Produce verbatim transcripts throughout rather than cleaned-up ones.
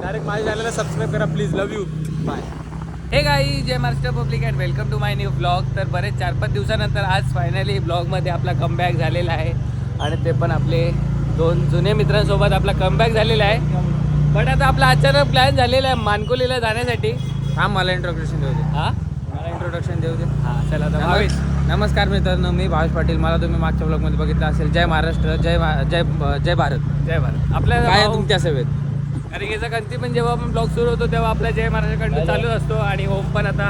Direct माझ्या चॅनलला subscribe करा please. Love you. Bye. Hey guys, जय Maharashtra public and welcome to my new blog. तर बरेच चार पाच दिवसानंतर आज फायनली ब्लॉगमध्ये आपला कमबॅक झालेला आहे आणि ते पण आपले दोन जुने मित्रांसोबत आपला कमबॅक झालेला आहे. बट आता आपला अचानक प्लॅन झालेला आहे मानकोलीला जाण्यासाठी. हा मला इंट्रोडक्शन देऊ दे. हां मला इंट्रोडक्शन देऊ दे. हां चला आता भावेश. नमस्कार मित्रांनो, मी भावेश पाटील. मला तुम्ही मागच्या ब्लॉगमध्ये बघितलं असेल. जय महाराष्ट्र, जय मा- जय जय भारत. जय भारत. आपल्या काय आहे भाऊ- तुमच्या सेवेत? कारण याचा गणती पण जेव्हा आपण ब्लॉग सुरू होतो तेव्हा आपला जय महाराष्ट्र कंटिन्यू चालू असतो आणि होम पण आता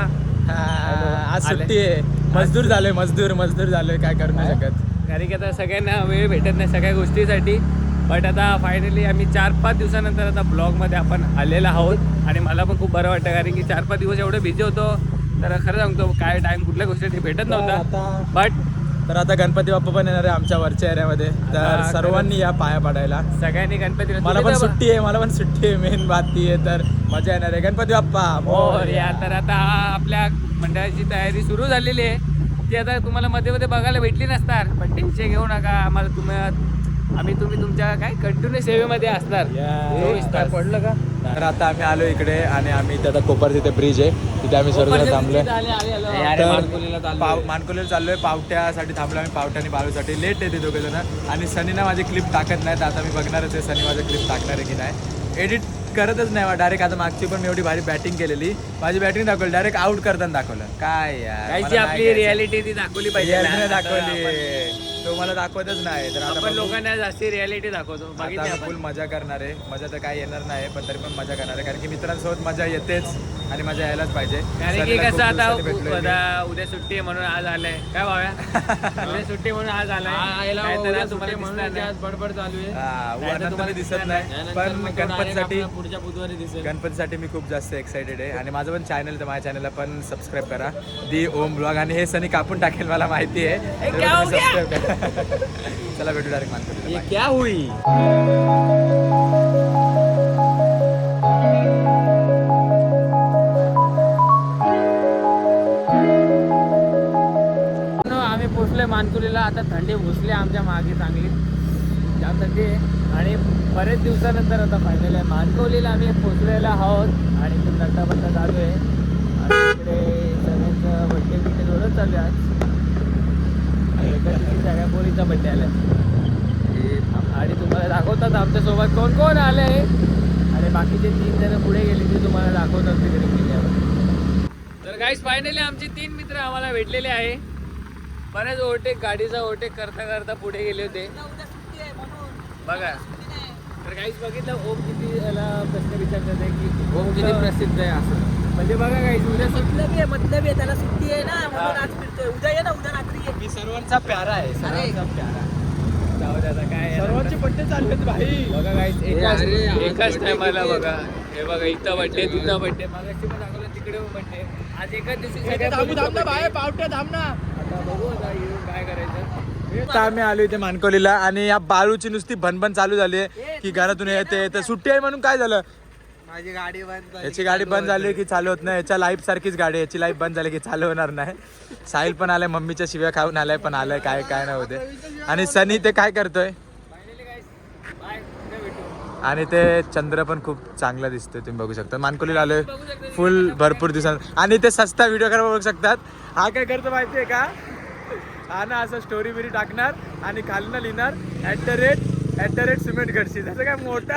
आज आले. सुट्टी आहे. मजदूर झालोय, मजदूर मजदूर झालोय. काय करू नाही शकत. कारण की आता सगळ्यांना वेळ भेटत नाही सगळ्या गोष्टीसाठी. बट आता फायनली आम्ही चार पाच दिवसानंतर आता ब्लॉगमध्ये आपण आलेलो आहोत आणि मला पण खूप बरं वाटतं. कारण की चार पाच दिवस एवढे बिझी होतो तर खरं सांगतो काय टाईम कुठल्या गोष्टीसाठी भेटत नव्हता. आता बट तर आता गणपती बाप्पा पण येणार आहे आमच्या वरच्या एरियामध्ये. तर आता सर्वांनी या पाया पडायला. सगळ्यांनी गणपती मला पण सुट्टी आहे, मला पण सुट्टी आहे. मेन बात ती आहे. तर मजा येणार आहे. गणपती बाप्पा मोरया. तर आता आपल्या मंडळाची तयारी सुरू झालेली आहे. ती आता तुम्हाला मध्ये मध्ये बघायला भेटली नसणार. पण टेन्शन घेऊ नका. आम्हाला तुम्ही आम्ही तुम्ही तुमच्या काय कंटिन्यू सेवेमध्ये असणार. चोवीस तास. पडलं का? तर आता आम्ही आलो इकडे आणि आम्ही इथे आता कोपर तिथे ब्रिज आहे तिथे आम्ही सर्वजण थांबलोय. तर पाव मानकोलीला चाललोय. पावट्यासाठी थांबलो आम्ही. पावट्या आणि बाळूसाठी लेट आहे ते दोघे जण. आणि सनीना माझी क्लिप टाकत नाही. तर आता मी बघणारच आहे सनी माझं क्लिप टाकणार आहे की नाही. एडिट करतच नाही डायरेक्ट. आता मागची पण मी एवढी भारी बॅटिंग केलेली. माझी बॅटिंग दाखवली डायरेक्ट आउट करताना दाखवलं. काय यार, कायची मला नाही आपली घ्यायचं. रियालिटी ती दाखवली पाहिजे Reality नाही ना. दाखवली. तो मला दाखवतच नाही. तर आता आपण बघू. लोकांना जास्ती रियालिटी दाखवतो. बघितली आता आपण. फुल मजा करणार आहे. मजा तर काय येणार नाही पण तरी पण मजा करणार आहे. कारण की मित्रांसोबत मजा येतेच आणि मजा यायलाच पाहिजे. कारण की सनीला खूप कसं आता दिवसांनी भेटलोय मी. उद्या उद्या सुट्टी आहे म्हणून आज आलाय. काय भाव्या उद्या सुट्टी म्हणून आज आलाय. नाहीतर आज तुम्हाला दिसणार नाही. बडबड चालू आहे. हा, नाही तर अनंत तुम्हाला मी दिसत दिसणार नाही. नाही. पण गणपतीसाठी पुढच्या बुधवारी दिसेल. गणपतीसाठी मी खूप जास्त एक्साइटेड आहे. आणि माझं पण चॅनल तर माझ्या चॅनलला पण सबस्क्राईब करा. The Om blog. आणि हे सनी कापून टाकेल मला माहिती आहे. तर क्या हो तुम्ही गया? subscribe करा. चला भेटू डायरेक्ट मानकोलीला. ये क्या हुई? आम्ही पोचलोय मानकुलीला. आता थंडी घुसली आमच्या मागे चांगली जाम थंडी आहे. आणि बरेच दिवसानंतर आता फायनल आहे मानकोलीला आम्ही पोचलेलो आहोत आणि खूप नट्टा बट्टा चालू आहे. आणि इकडे सगळ्यांचं बड्डे बिड्डे जोरच चालू आहे आज. आणि एका दिवशी सगळ्या पोरीचा बड्डे आला आणि तुम्हाला दाखवतात आमच्यासोबत कोण कोण आलं आहे. आणि बाकीचे तीन जण पुढे गेले ते तुम्हाला दाखवतात तिकडे गेल्यावर. तर गाईस फायनली आमचे तीन मित्र आम्हाला भेटलेले आहे. बरेच ओव्हरटेक गाडीचा ओव्हरटेक करता करता पुढे गेले होते बघा. तर काहीच बघितलं ओम किती याला प्रश्न विचारतात आहे की ओम किती प्रसिद्ध आहे असं. म्हणजे बघा काहीच उद्या मतलबी आहे मतलबी आहे त्याला सुट्टी आहे ना म्हणून आज फिरतोय. उद्या ये ना, उद्या रात्री ये. मी सर्वांचा प्यारा आहे. सर्वांचा प्यारा. जाऊ द्या आता काय सर्वांचे बड्डे चालू आहेत भाई. बघा काहीच एकाच अरे, आज एकाच birthday टायमाला किती बघा. हे बघा इथं बड्डे तिथं बड्डे मागाशी पण दाखवलं तिकडे बड्डे. आज एकाच दिवशी सगळ्या पोरीचा birthday. पावट्या थांब ना. आता बघू आता येऊन काय करायचं. आता आम्ही आलो इथे मानकोलीला आणि या बाळूची नुसती भनभन चालू झाली आहे की घरातून येते येते. सुट्टी आहे म्हणून काय झालं. माझी गाडी बंद झाली. याची गाडी बंद झाली की चालू होत नाही. याच्या लाईफ सारखीच गाडी. याची लाईफ बंद झाली की चालू होणार नाही. साहिल पण आलाय, मम्मीच्या शिव्या खाऊन आलाय पण आलाय काय काय नाही होते. आणि सनी ते काय करतोय. फायनली गाईस बाय उद्या भेटू. आणि ते चंद्र पण खूप चांगला दिसतोय. तुम्ही बघू शकता मानकोलीला आलोय फुल भरपूर दिवसांत. आणि ते सस्ता व्हिडिओ करा बघू शकतात. हा काय करतो माहितीये का. हा ना असं स्टोरी बिरी टाकणार आणि खालनं लिहिणार at the rate at the rate cement Ghadshi. त्याचं काय मोठा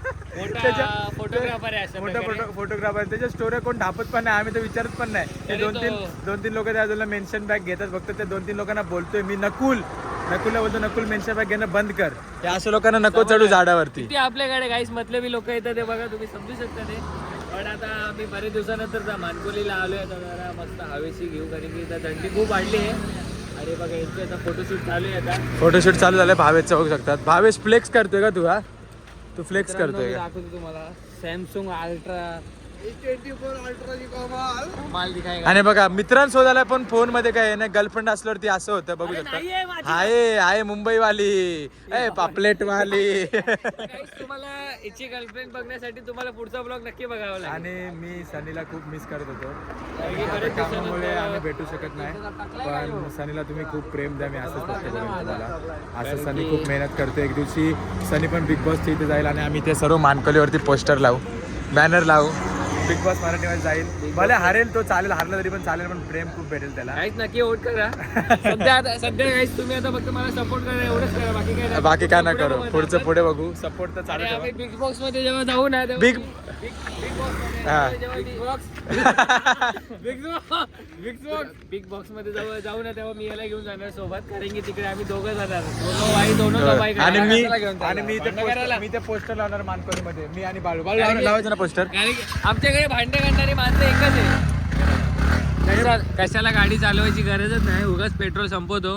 मोठा फोटोग्राफर आहे असं मोठा प्रकारे. Photo photographer. त्याच्या स्टोऱ्या कोण ढापत पण नाही. आम्ही तर विचारत पण नाही. ते तरी दोन तीन तो- दोन तीन लोक त्या बाजूला मेन्शन बॅग घेतात. फक्त ते दोन तीन लोकांना बोलतोय मी नकुल नकुलला बोलतो नकुल मेन्शन बॅग घेणं बंद कर. या अशा लोकांना नको चढू झाडावरती. किती आपल्याकडे गाईस मतलबी लोक येतात ते बघा तुम्ही समजू शकता ते. पण आता आम्ही बरेच दिवसानंतर त्या मानकोलीला आलोय. आता जरा मस्त हवेशी घेऊ कारण की इथं थंडी खूप वाढली आहे. अरे बघा यांचं आता फोटोशूट चालू आहे आता. फोटोशूट चालू झालंय भावेशचं बघू शकतात. भावेश फ्लेक्स करतोय का तू. हा तू फ्लेक्स करतोय का. दाखवतो तुम्हाला सॅमसंग अल्ट्रा ट्वेंटी फोर अल्ट्राची कमाल. माल दिखाएगा. आणि बघा मित्रांसोबत पण फोन मध्ये काय नाही. गर्लफ्रेंड असल्यावरती असं होतं बघू शकता. नाहीये माझी. आहे आहे मुंबईवाली ए पापलेट वाली. Guys, तुम्हाला याची गर्लफ्रेंड बघण्यासाठी तुम्हाला पुढचा ब्लॉग नक्की बघावा लागेल. आणि मी सनीला खूप मिस करत होतो. कारण की बरेच कामामुळे दिवसानंतर- आम्ही भेटू शकत नाही. पण सनीला तुम्ही खूप प्रेम द्या. मी असंच फक्त बोलेन तुम्हाला. असं सनी खूप मेहनत करते. एक दिवशी सनी पण बिग बॉसच्या इथे जाईल आणि आम्ही ते सर्व मानकोलीवरती पोस्टर लावू. बॅनर लावू. बिग बॉस मराठीमध्ये जाईल. भले हरेल तो चालेल, हारला तरी पण चालेल, पण प्रेम खूप भेटेल त्याला. काहीच नक्की वोट करा. सध्या आता सध्या काहीच तुम्ही आता फक्त मला सपोर्ट करा, एवढंच करा, बाकी काय नाही. बाकी काय ना पुढे करू, बघू आता पुढचं आपण. पुढे बघू. सपोर्ट तर चालू आणि ठेवा. आम्ही बिग बॉक्स मध्ये जेव्हा जाऊ ना तेव्हा बिग- बिग बिग बॉक्स मध्ये हा. जेव्हा big box big box big box big box मध्ये जाऊ जाऊ ना तेव्हा मी याला घेऊन जाणार सोबत, कारण की तिकडे आम्ही दोघं जाणार, दोन बाई दोन बाई. आणि मी घेऊन आणि मी ते भांडण करायला. पोस्टर- मी ते पोस्टर लावणार मानकोली मध्ये, मी आणि बाळू. बाळू लावणार- लावायचं ना पोस्टर. कारण की आमच्याकडे भांडे काढणारी माणसं एकच आहे. कशा- कशाला गाडी चालवायची गरजच नाही, उगाच पेट्रोल संपवतो.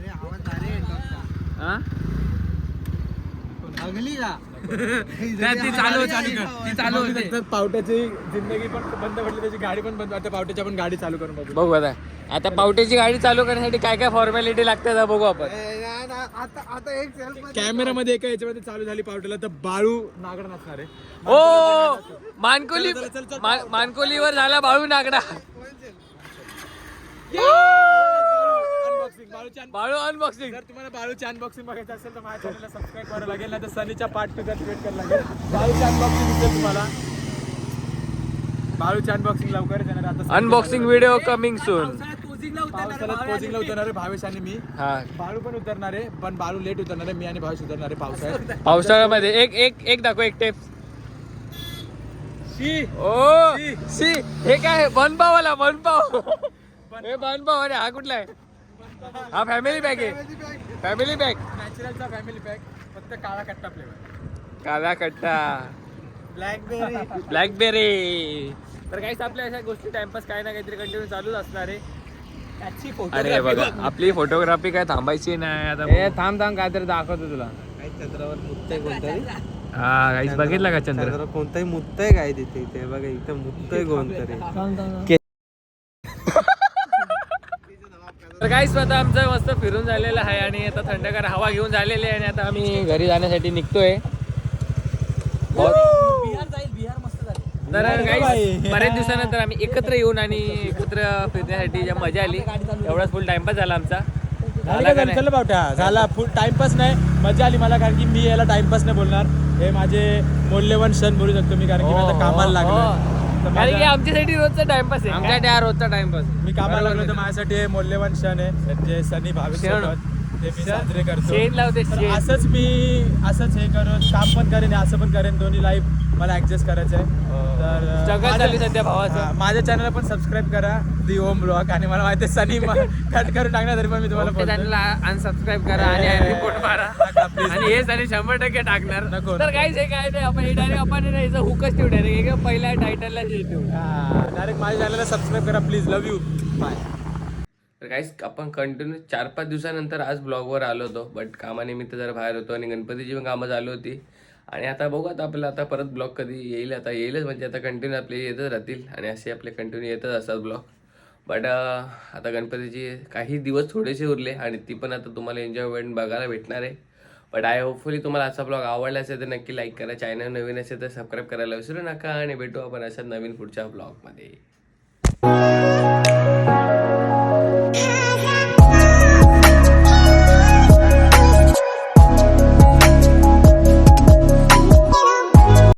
हा? नाही, ती चालू ती चालू होते. पावट्याची जिंदगी पण बंद पडली, त्याची गाडी पण बंद. आता पावट्याची आपण गाडी चालू करून बघू. बघू आता आता पावट्याची गाडी चालू करण्यासाठी काय काय फॉर्मॅलिटी लागते ते बघू आपण. कॅमेरामध्ये एका याच्यामध्ये चालू झाली पावट्याला, तर बाळू नागड नसणार आहे. ओ मानकोली मा- मानकोलीवर झाला बाळू नागडा. अनबॉक्सिंग बाळूची un- बाळू अनबॉक्सिंग. जर तुम्हाला बाळूची अनबॉक्सिंग बघायचं असेल तर माझ्या चॅनलला सबस्क्राईब करावं लागेल, नाही तर सनीच्या पार्ट टू वेट करायला लागेल. बाळूची अनबॉक्सिंग दिसेल तुम्हाला. बाळूची अनबॉक्सिंग लवकरच येणार. आता अनबॉक्सिंग व्हिडिओ कमिंग सून. पावसाळ्यात पोझिंगला उतरणार पावसाळ्यात भाऊ कोचिंगला आणि उतरणार आहे भावेश आणि मी. हा बाळू पण उतरणार आहे, पण बाळू लेट उतरणार आहे. मी आणि भावेश उतरणार आहे पावसाळ्यात. पावसाळ्यामध्ये एक एक एक दाखव एक टेप. शी ओ सी हे काय बनपावाला बनपाव. हे बनपाव अरे हा कुठला आहे? हा फॅमिली पॅक आहे, फॅमिली पॅक. नॅचरलचा फॅमिली पॅक, फक्त काळा कट्टा फ्लेवर. काला कट्टा ब्लॅकबेरी. ब्लॅकबेरी. तर काहीच आपल्या अशा गोष्टी टाइमपास काय ना काहीतरी कंटिन्यू चालूच असणार आहे. त्याची अरे बघा आपली फोटोग्राफी काय थांबायची नाही आता. थांब थांब काहीतरी दाखवतो तुला. चंद्रावर मुत्तय कोणतरी, हा काहीच बघितलं का चंद्र? चंद्रावर कोणतंही मुत्तय काय तिथे, ते बघा इथं मुत्तय कोणतरी. तर काहीच आता आमचं मस्त फिरून झालेलं आहे आणि आता थंडगार हवा घेऊन झालेली आहे आणि आता आम्ही घरी जाण्यासाठी निघतोय. बिहार जाईल, बिहार मस्त जाईल. तर काही बऱ्याच दिवसानंतर आम्ही एकत्र येऊन आणि एकत्र फिरण्यासाठी ज्या मजा आली, एवढाच फुल टाइमपास झाला आमचा. झाला का नाही? चल पावट्या झाला फुल टाइमपास नाही, मजा आली मला, कारण की मी याला टाइमपास नाही बोलणार. हे माझे मौल्यवान क्षण बोलू शकतो मी, कारण की मी आता कामाला लागलो. तर कारण की माझा- आमच्यासाठी रोजचा टाइमपास आहे. आमच्या त्या रोजचा टाइमपास. मी कामाला लागलो तर माझ्यासाठी हे मौल्यवान क्षण आहे, जे सनी भावेश क्षण. सोबत ते मी साजरे करतो. शेण लावते तर शेण. असंच मी असंच हे करून काम पण करेन, असं पण करेन. दोन्ही लाईफ मला ऍडजस्ट करायचं आहे. तर जगात माझ्या- चालली सध्या भावाचं. हा, माझ्या चॅनलला पण सबस्क्राईब करा, दी ओम ब्लॉग. आणि मला माहिती आहे सनी कट करून टाकणार, तरी पण मी तुम्हाला बोलतोय. चॅनलला अनसबस्क्राईब करा आणि रिपोर्ट मारा. आणि हे सारे शंभर टक्के टाकणार. नको, तर नको. काहीच हे काय नाही, आपण हे डायरेक्ट आपण हे याचं हुकच ठेवू डायरेक्ट पहिल्या टायटलला ठेवू. डायरेक्ट माझ्या चॅनलला सबस्क्राईब करा प्लीज. Love you, bye. तर काहीच आपण कंटिन्यू चार पाच दिवसानंतर आज ब्लॉगवर आलो होतो, बट कामानिमित्त जरा बाहेर होतो आणि गणपतीची पण कामं चालू होती. आणि आता बघू आता आपल्याला आता परत ब्लॉग कधी येईल, आता येईलच म्हणजे आता कंटिन्यू आपले येतच राहतील आणि असे आपले कंटिन्यू येतच असतात ब्लॉग. बट आता गणपतीची काही दिवस थोडेसे उरले आणि ती पण आता तुम्हाला एन्जॉयमेंट बघायला भेटणार आहे. बट आय होपफुली तुम्हाला आजचा ब्लॉग आवडला असेल तर नक्की लाईक करा, चॅनल नवीन असेल तर सबस्क्राईब करायला विसरू नका आणि भेटू आपण अशा नवीन पुढच्या ब्लॉगमध्ये.